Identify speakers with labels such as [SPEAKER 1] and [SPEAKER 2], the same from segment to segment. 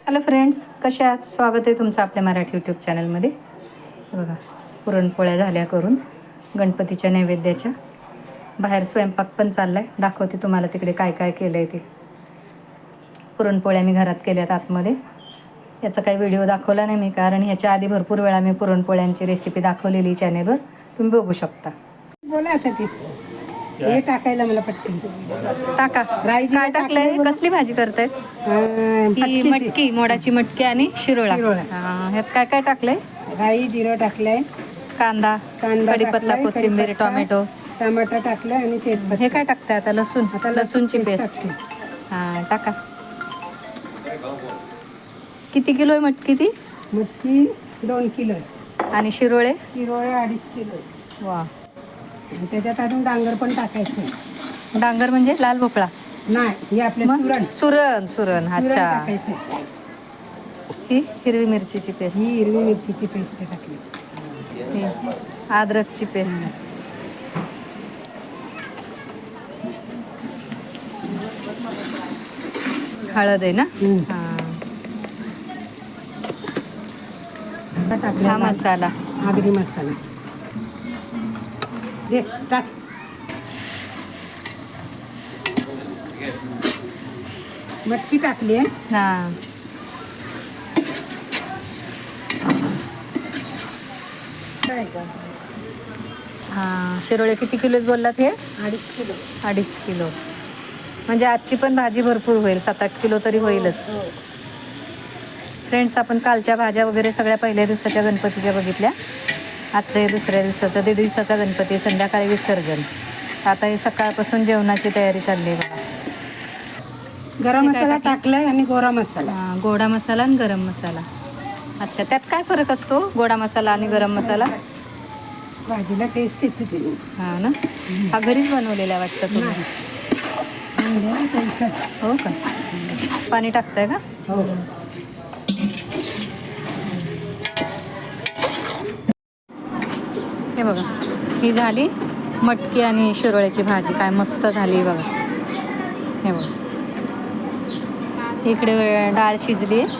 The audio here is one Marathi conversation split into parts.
[SPEAKER 1] हॅलो फ्रेंड्स, कशा आहात? स्वागत आहे तुमचं आपल्या मराठी यूट्यूब चॅनलमध्ये. बघा, पुरणपोळ्या झाल्या करून गणपतीच्या नैवेद्याच्या. बाहेर स्वयंपाक पण चालला आहे. दाखवते तुम्हाला तिकडे काय काय केलं आहे ते. पुरणपोळ्या मी घरात केल्यात आतमध्ये. याचा काही व्हिडिओ दाखवला नाही मी, कारण ह्याच्या आधी भरपूर वेळा मी पुरणपोळ्यांची रेसिपी दाखवलेली चॅनेलवर, तुम्ही बघू शकता.
[SPEAKER 2] बोला आता ते हे टाकायला मला पटकन
[SPEAKER 1] टाका. काय टाकलंय? कसली भाजी करतायत? ही मटकी, मोडाची मटकी आणि शिरोळा. ह्यात काय काय टाकलंय?
[SPEAKER 2] राई, जिरं टाकलंय,
[SPEAKER 1] कांदा, कढीपत्ता, कोथिंबीर, टोमॅटो,
[SPEAKER 2] टमाटर टाकलं आणि तेजपत्ता.
[SPEAKER 1] हे काय टाकताय आता? लसूण, लसूणची पेस्ट. हां, टाका. किती किलो आहे मटकी ती?
[SPEAKER 2] मटकी 2 किलो
[SPEAKER 1] आणि शिरोळे?
[SPEAKER 2] शिरोळे 2.5 किलो.
[SPEAKER 1] वा.
[SPEAKER 2] त्याच्यात अजून डांगर पण टाकायचं.
[SPEAKER 1] डांगर म्हणजे लाल भोपळा?
[SPEAKER 2] नाही, हे आपले सुरण.
[SPEAKER 1] सुरण. सुरण, अच्छा.
[SPEAKER 2] टाकायचं.
[SPEAKER 1] ही हिरवी मिरचीची पेस्ट.
[SPEAKER 2] ही हिरवी मिरचीची पेस्ट टाकली.
[SPEAKER 1] ही अद्रकची पेस्ट. हळद आहे ना? हा मसाला,
[SPEAKER 2] आगरी मसाला दे टाक. मच्छी टाकली आहे.
[SPEAKER 1] हां. हां, शिरोळे किती किलो बोललात हे?
[SPEAKER 2] 2.5 किलो.
[SPEAKER 1] 2.5 किलो. म्हणजे आजची पण भाजी भरपूर होईल, 7-8 किलो तरी होईलच. फ्रेंड्स, आपण कालच्या भाज्या वगैरे सगळ्या पहिल्या दिवसाच्या गणपतीच्या बघितल्या. आजचं हे दुसऱ्या दिवसाचं, ते दिवसाचा गणपती, संध्याकाळी विसर्जन. आता हे सकाळपासून जेवणाची तयारी चालली आहे बघा.
[SPEAKER 2] गरम मसाला टाकलाय आणि गोडा मसाला.
[SPEAKER 1] हां, गोडा मसाला आणि गरम मसाला. अच्छा, त्यात काय फरक असतो गोडा मसाला आणि गरम मसाला?
[SPEAKER 2] भाजीला टेस्ट येते ते.
[SPEAKER 1] हां ना. हा घरीच बनवलेला वाटतं तुम्ही? हो का? पाणी टाकताय का?
[SPEAKER 2] हो.
[SPEAKER 1] हे बघा, ही झाली मटकी आणि शिरोळ्याची भाजी. काय मस्त झाली बघा. हे बघा, इकडे डाळ शिजली आहे.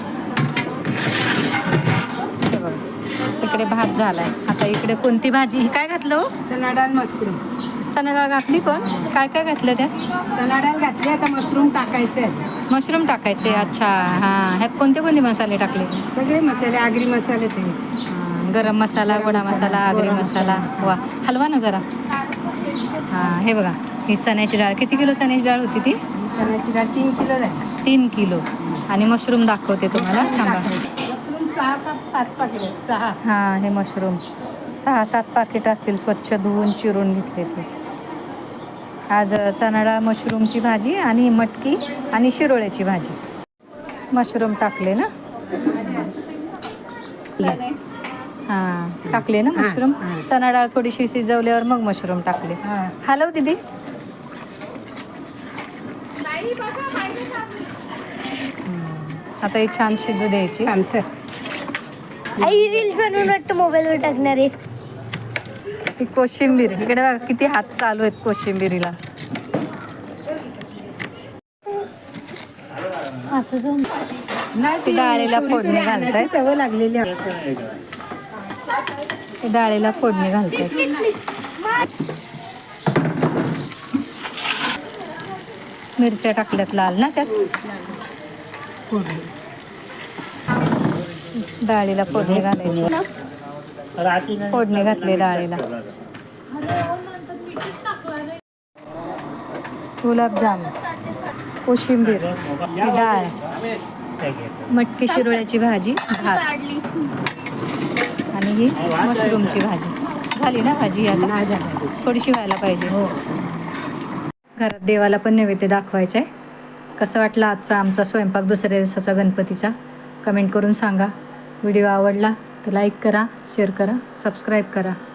[SPEAKER 1] हे बघा, इकडे भात झालाय. आता इकडे कोणती भाजी? ही काय घातलं हो?
[SPEAKER 2] चणा डाळ, मशरूम.
[SPEAKER 1] चणा डाळ घातली, पण काय काय घातलं त्या?
[SPEAKER 2] चणा डाळ घातली, आता मशरूम टाकायचे.
[SPEAKER 1] मशरूम टाकायचे, अच्छा. हां, ह्यात कोणते कोणते मसाले टाकले?
[SPEAKER 2] सगळे मसाले, आगरी मसाले ते.
[SPEAKER 1] गरम मसाला, गोडा मसाला, आगरी मसाला. वा, हलवा ना जरा. हां, हे बघा, ही चण्याची डाळ. किती किलो चण्याची डाळ होती ती?
[SPEAKER 2] चण्याची डाळ 3 किलो झाली.
[SPEAKER 1] 3 किलो. आणि मशरूम दाखवते तुम्हाला, थांबा.
[SPEAKER 2] मशरूम 6 का 7 पाकिट. 6.
[SPEAKER 1] हां, हे मशरूम 6-7 पाकिट असतील, स्वच्छ धुवून चिरून घेतले ते. आज चणा डाळ, मशरूमची भाजी आणि मटकी आणि शिरोळ्याची भाजी. मशरूम टाकले ना? हां, टाकले ना मशरूम. चणा डाळ थोडीशी शिजवल्यावर मग मशरूम टाकले. हॅलो दीदी. आता ही छान शिजू द्यायची.
[SPEAKER 3] आई रील्स बनवून वाटतं मोबाईलवर टाकणार आहे.
[SPEAKER 1] ही कोशिंबीर, इकडे बघा किती हात चालू आहेत कोशिंबिरीला. ती डाळीला फोडणी घालताय.
[SPEAKER 2] सवय लागलेली आहे.
[SPEAKER 1] ती डाळीला फोडणी घालताय. मिरच्या टाकल्यात लाल ना त्यात. डाळीला फोडणी घालायची. फोडणी घातली डाळीला. गुलाबजाम, कोशिंबीर, ही डाळ, मटकी शिरोळ्याची भाजी, भात आणि ही मशरूमची भाजी. झाली ना भाजी? आता थोडीशी व्हायला पाहिजे. हो. घरात देवाला पण नैवेद्य दाखवायचं आहे. कसं वाटलं आजचा आमचा स्वयंपाक दुसऱ्या दिवसाचा गणपतीचा? कमेंट करून सांगा. व्हिडिओ आवडला तर लाईक करा, शेअर करा, सबस्क्राईब करा.